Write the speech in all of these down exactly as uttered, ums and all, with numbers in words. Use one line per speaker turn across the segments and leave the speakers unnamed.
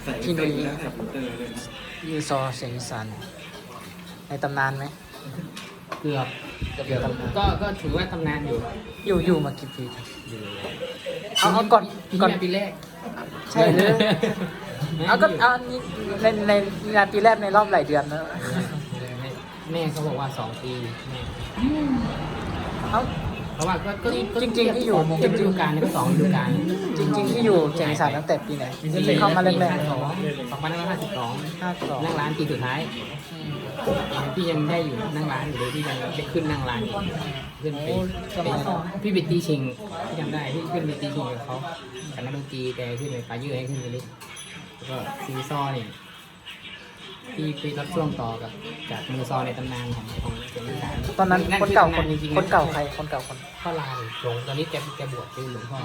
พี่นุ้ยยูซอเสียงอีสานในตำนานไหม
เกือบเกือบก็ก็ถือว่าตำนานอยู่
อยู่อยู่มากี่ปี
อยู่
เอาเอาก่อน
ปี
ก่อน
นี้ปีแรก
ใช่เลยเอาก็เอานี่ในในในปีแรกในรอบหลายเดือนแล้ว
แม่เขาบอกว่าสองปีแม่
เอา
เพราะว่าก็ก็ก็
จริงๆที่อยู่
จริงฤดูกาลนี่ก็สองฤดูกาล
จริง ๆ ที่อยู่เสียงอีสานตั้งแต่ปีไหนที่เข้ามาแรก
สองสองพันห้าร้อยห้าสิบสอง
ๆห้าสอง
นั่งร้านปีสุดท้ายพี่ยังได้อยู่นั่งร้านอยู่เลยพี่ยังได้ขึ้นนั่งร้านอยู่ขึ้นไปพี่ไปตีชิงพี่จำได้พี่ขึ้นไปตีชิงกับเขากับนักดนตรีแต่ขึ้นไปปลายืดให้ขึ้นไปเลยแล้วก็ซีซอเนี่ยพี่ไปรับช่วงต่อกับจากมือซอในตำนานของของเสียงอีสาน
ตอนนั้นคนเก่าคน
จริงๆ
คนเก่าใครคนเก่าคน
พ่อลานหลงตอนนี้แกแกบวชเป็นหลวงพ่อ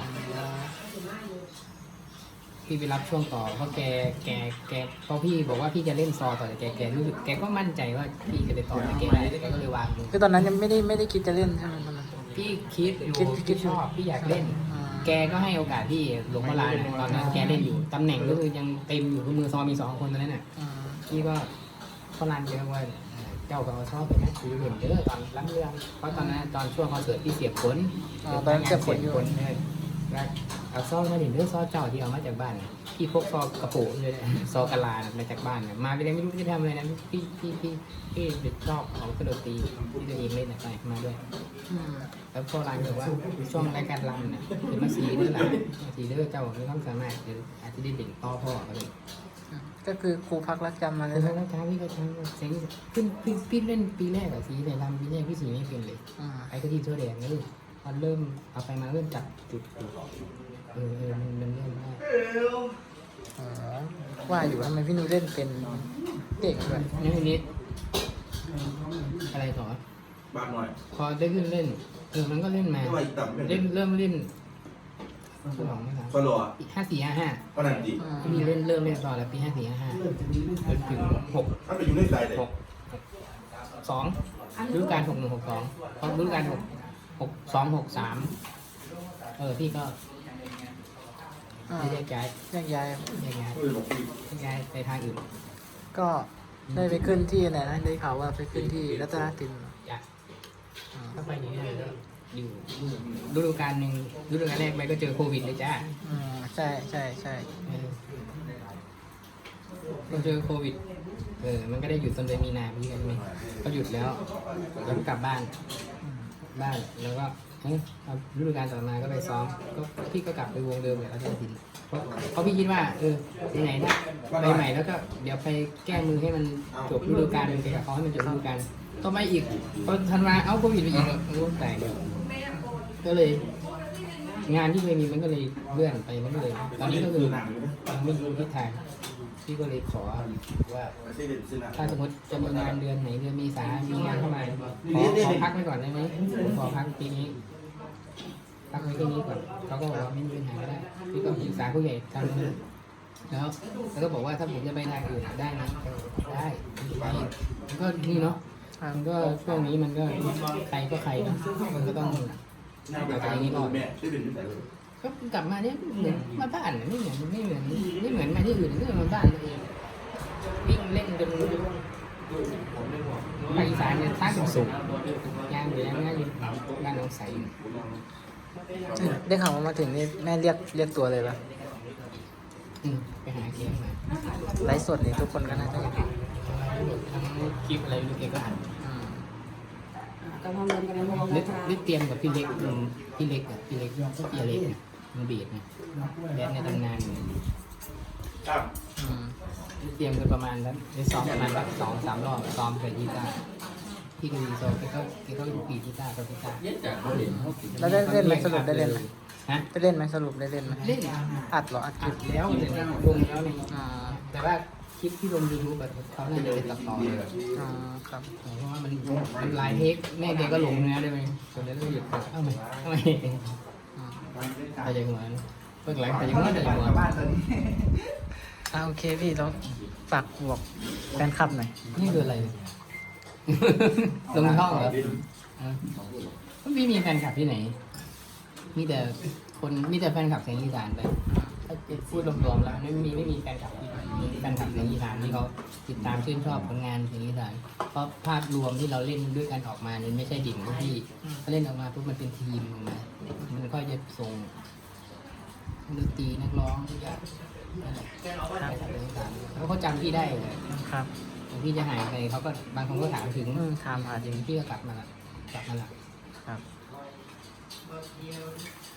พี่ไปรับช่วงต่อเพราะแกแกแกเพราะพี่บอกว่าพี่จะเล่นซอต่อแต่แกแกรู้สึกแกก็มั่นใจว่าพี่จะได้ต่อแต่แกไม่ได้แกก็เลยวางมือ
คือตอนนั้นยังไม่ได้ไม่ได้คิดจะเล่นใช่ไหมตอนนั้น
พี่คิดอยู่
คิดคิ
พี่
ด
ชอบพี่อยากเล่น
อ่า
แกก็ให้โอกาสพี่หลวงพ่อลานน่ะตอนนั้นแกเล่นอยู่ตำแหน่งก็คือยังเต็มอยู่คือมือซอมีสองคนตอนนั้นน่ะ
อ่า
พี่ก็พ่อลานแกก็ว่าเจ้าก็ชอบเป็นนักสือเหมือนเด้อตอนรับเรื่องเพราะตอนนั้นตอนช่วงคอนเสิร์ตพี่เสียบผล
อ่าตอนนั้นเสียบผลอยู่
เลยแล้วเอาซอมาเด่นเรื่องซอเจ้าที่เอามาจากบ้านน่ะพี่พกซอกระโปรงเลยนะซอกะลาน่ะมาจากบ้านน่ะมาไปเลยไม่รู้จะทำอะไรนะพี่พี่พี่พี่เด็กชอบของกระโดดตีที่ตัวเองเล่นน่ะไปมาด้วย
อืม
แล้วพ่อร้านบอกว่าช่วงรายการรำเนี่ยเป็นมาสีเด้อหละมาสีเด้อเจ้ามีความสามารถเดี๋ยวอาจจะได้เด่นต่อพ่อก็เลย
ก็คือครูพักรักจำมาเล
แล้
ยว นะ
แล้วท้าพี่ก็ทำเสียงขึ้นพี่พี่เล่นปีแรกอะสีในรำปีแรกพี่สีไม่เป็นเลย
อ่า
ไอ้ก็ที่ทั่วแดงเลยพอเริ่มเอาไปมาเริ่มจับจุดจุดเออเออมันมันเริ่มได้
อ๋อว่าอยู่ทำไมพี่นุ้ยเล่นเป็นเก่งด้วย
นี่ทีนี้อะไรต่อ
บ้านหน่อย
พอได้ขึ้นเล่นเออมันก็เล่นมา
ไม่ว่าอีกต่ำเป็น
เล่นเริ่มเล่นสองไม่สาม
ก็รอ
ห้าสี่ห้าห้า
ก็นั่นดี
อ่า
พี่เล่นเริ่มเล่นตอนแล้วปีห้าสี่ห้าห้าจนถึงหก
ถ้าไปอยู่ในใจเลย
หกสองฤดูกาลหกหนึ่งหกสองพอฤดูกาลหกหกสองหกสามเออพี่ก็
อ่า
ไม่แยกย้าย
แยกย้าย
แยกย้าย
เออบอกพี่
แยกย้ายไปทางอื่น
ก็ได้ไปขึ้นที่ไหนนะได้ข่าวว่าไปขึ้นที่รัตนติน
อยาก
อ่า
ถ้าไปอย่างนี้เลยก็อยู่ฤดูกาลหนึ่งฤดูกาลแรกไปก็เจอโควิดเลยจ้า
อืมใช่ใช่ใช่
เออเราเจอโควิดเออมันก็ได้หยุดต้นเดือนมีนาพี่กันไหมก็หยุดแล้วแล้วก็กลับบ้าน
อืม
บ้านแล้วก็เอ้ยเอาฤดูกาลต่อมาก็ไปซ้อมก็พี่ก็กลับไปวงเดิมเลยแล้วก็ทินเพราะเพราะพี่คิดว่าเออไหนๆนะไปใหม่แล้วก็เดี๋ยวไปแก้มือให้มันจบฤดูกาลไปกับเขาให้มันจบฤดูกาลต่อไปอีกพอธันวาเอาโควิดไปอีกโอ้แตกเลยก็เลย งานที่เคยมีมันก็เลยเลื่อนไปมันก็เลย ตอนนี้ก็คือยังไม่รู้ทิศทางพี่ก็เลยขอว่า
ซื้อเด็ดซื้อหนัก
ถ้าสมมติจะมีงานเดือนไหนเดือนเมษามีงานเข้ามาขอขอพักไว้ก่อนได้ไหมขอพักปีนี้พักไว้ที่นี้ก่อนเขาก็บอกว่าไม่มีปัญหาก็ได้พี่ก็ปรึกษาผู้ใหญ่ทางนู้นแล้วแล้วก็บอกว่าถ้าผมจะไปทางอื่นได้นะได้ไปมันก็นี่เนาะมันก็ช่วงนี้มันก็ใครก็ใครเนาะมันก็ต้องเอาใจนี้ก่อน
แม่ซื้อเด็ดที่ไหนเลย
ก็กลับมาเนี่ยเหมือนมาบ้านน่ะไม่เหมือนไม่เหมือนไม่เหมือนมาที่อื่นก็มาบ้านตัวเองวิ่งเล่นจนภาคอีสานเนี่ยท้าสูงสูงยางอยู่แล้วง่ายอยู่บ้านน้องใส
ได้ข่าวว่ามาถึงนี่แม่เรียกเรียกตัวเลยปะ
อืมไปหาเกมมา
ไลฟ์สดนี่ทุกคนก็น่าจะเห็น
ทั้งคลิปอะไรลูกเกก็อ่าน
อืม
กำลังเรียนกันแล้ว
นึกนึกเตรียมกับพี่เล็กอืมพี่เล็กอ่ะพี่เล็กพี่เล็กเนี่ยมันบีดเนี่ยแดนในตำนานเนี่ย
ครับ
อืม
เตรียมกันประมาณนั้นได้ซ้อมประมาณแบบสองสามรอบซ้อมกับกีตาร์พี่ก็ดีโซแกก็แกก็ปีกีตาร์กับกีตาร์
แล้วได้เล่นไหมสรุปได้เล่นไหม
ฮะ
ได้เล่นไหมสรุปได้เล่นไหม
เล่น
อัดเหรออัดค
อั
ลิ
ด
ป
แล้วเลยนะลงแล้วเนี่ย
อ่า
แต่ว่าคลิปที่ลงยูทูบเขาน่าจะเป็นตัดต่อเลย
อ่าครับ
เพราะว่ามันมันหลายเทคแม่แกก็ลงเนื้อได้ไหมจนแล้วก็หยุดเอ้าไหมเอ้าไหม
อืม
ไปยังหัวเพิ่งหลังไปยังหัวไปยังหัว
อ่าโอเคพี่เราฝากบอกแฟนคลับหน่อย
นี่คืออะไร ลงท่องเหรออ่ะไม่มีแฟนคลับที่ไหน มีแต่คนมีแต่แฟนคลับเสียงอีสานไปไปถ้าพูดรวมๆแล้วไม่มีไม่มีแฟนคลับที่มีแฟนคลับในอีสานที่เขาติดตามชื่นชอบผลงานเพลงอีสานเพราะภาพรวมที่เราเล่นด้วยกันออกมาเนี่ยไม่ใช่ดิ่งพวกพี่เขาเล่นออกมาปุ๊บมันเป็นทีมออกมามันก็จะส่งดนตรีนักร้องทุกอย่างนั่นแหละไปทำเรื่องต่างแล้วเขาจำพี่ได้เลย
ครับ
พี่จะหายไปเขาก็บางคนก็ถามถึง
อืมถามหาจริง
พี่ก็กลับมาละกลับมาละ
ครับ